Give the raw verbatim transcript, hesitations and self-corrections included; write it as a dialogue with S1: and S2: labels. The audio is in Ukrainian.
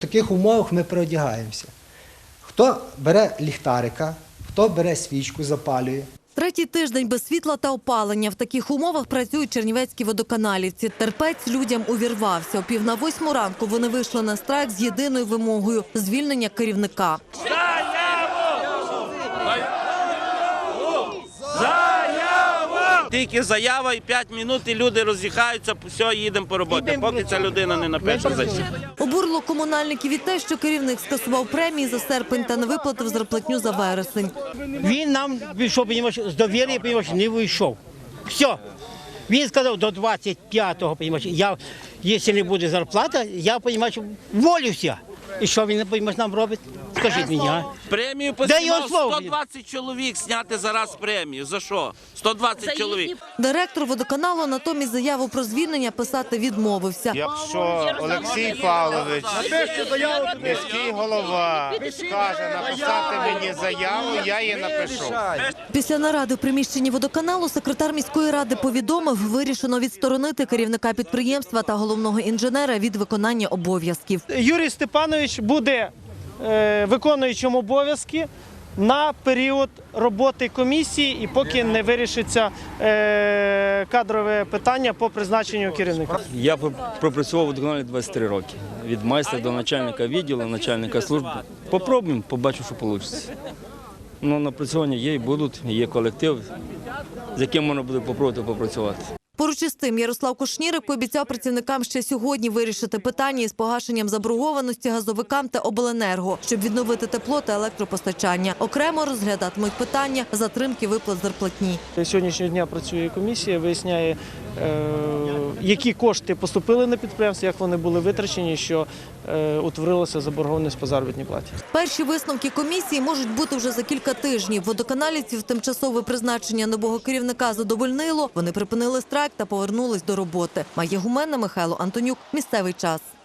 S1: таких умовах ми переодягаємося. Хто бере ліхтарика, хто бере свічку, запалює.
S2: Третій тиждень без світла та опалення. В таких умовах працюють чернівецькі водоканалівці. Терпець людям увірвався. О пів на восьму ранку вони вийшли на страйк з єдиною вимогою – звільнення керівника.
S3: Тільки заява і п'ять хвилин, і люди роз'їхаються, все, їдемо по роботі, поки ця людина не напише зайшов.
S2: Обурило комунальників і те, що керівник скасував премії за серпень та не виплатив зарплатню за вересень.
S4: Він нам вийшов, з довіри, не вийшов. Все. Він сказав до двадцять п'ятого, я, якщо не буде зарплата, я волюся. І що він нам робить? Скажіть мені, а?
S3: Премію посівав сто двадцять чоловік зняти зараз премію. За що? сто двадцять чоловік.
S2: Директор водоканалу натомість заяву про звільнення писати відмовився.
S5: Якщо Олексій Павлович, міський голова, скаже написати мені заяву, я її напишу.
S2: Після наради в приміщенні водоканалу секретар міської ради повідомив, вирішено відсторонити керівника підприємства та головного інженера від виконання обов'язків.
S6: Юрій Степанович буде виконуючим обов'язки на період роботи комісії і поки не вирішиться кадрове питання по призначенню керівника.
S7: Я пропрацював у водоканалі двадцять три роки. Від майстра до начальника відділу, начальника служби. Попробуємо, побачу, що вийде. Ну, напрацювання є і будуть, є колектив, з яким можна буде попробувати попрацювати.
S2: Поруч із тим, Ярослав Кушнірик пообіцяв працівникам ще сьогодні вирішити питання із погашенням заборгованості газовикам та обленерго, щоб відновити тепло та електропостачання. Окремо розглядатимуть питання затримки виплат зарплатні.
S6: Сьогоднішнього дня працює комісія, виясняє, які кошти поступили на підприємство, як вони були витрачені, що утворилася заборгованість по заробітній платі.
S2: Перші висновки комісії можуть бути вже за кілька тижнів. Водоканалівців тимчасове призначення нового керівника задовольнило. Вони припинили страйк та повернулись до роботи. Майя Гумена, Михайло Антонюк. Місцевий час.